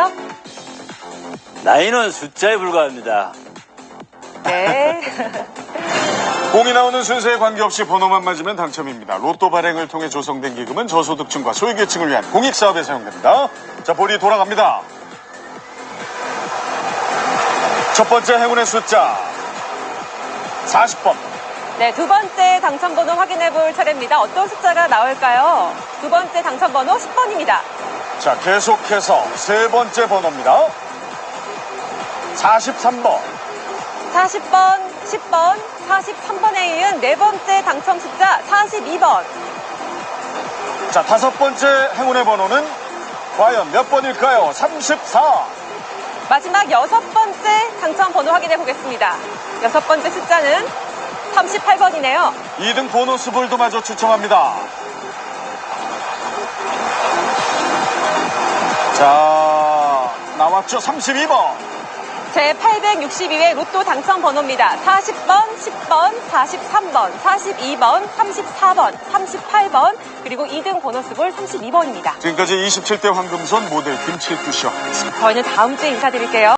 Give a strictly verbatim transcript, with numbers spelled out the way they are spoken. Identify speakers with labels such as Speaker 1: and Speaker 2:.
Speaker 1: 아시겠죠?
Speaker 2: 나이는 숫자에 불과합니다.
Speaker 1: 네.
Speaker 3: 공이 나오는 순서에 관계없이 번호만 맞으면 당첨입니다. 로또 발행을 통해 조성된 기금은 저소득층과 소외계층을 위한 공익사업에 사용됩니다. 자, 볼이 돌아갑니다. 첫 번째 행운의 숫자 사십 번.
Speaker 1: 네, 두 번째 당첨번호 확인해 볼 차례입니다. 어떤 숫자가 나올까요? 두 번째 당첨번호 십 번입니다.
Speaker 3: 자, 계속해서 세 번째 번호입니다. 사십삼 번.
Speaker 1: 사십 번, 십 번, 사십삼 번에 이은 네 번째 당첨 숫자 사십이 번.
Speaker 3: 자, 다섯 번째 행운의 번호는 과연 몇 번일까요? 삼십사.
Speaker 1: 마지막 여섯 번째 당첨 번호 확인해 보겠습니다. 여섯 번째 숫자는 삼십팔 번이네요.
Speaker 3: 이 등 보너스 볼도 마저 추첨합니다. 자, 나왔죠? 삼십이 번.
Speaker 1: 제팔백육십이 회 로또 당첨 번호입니다. 사십 번, 십 번, 사십삼 번, 사십이 번, 삼십사 번, 삼십팔 번, 그리고 이 등 보너스볼 삼십이 번입니다.
Speaker 3: 지금까지 이십칠 대 황금손 모델 김칠두 씨와
Speaker 1: 저희는 다음 주에 인사드릴게요.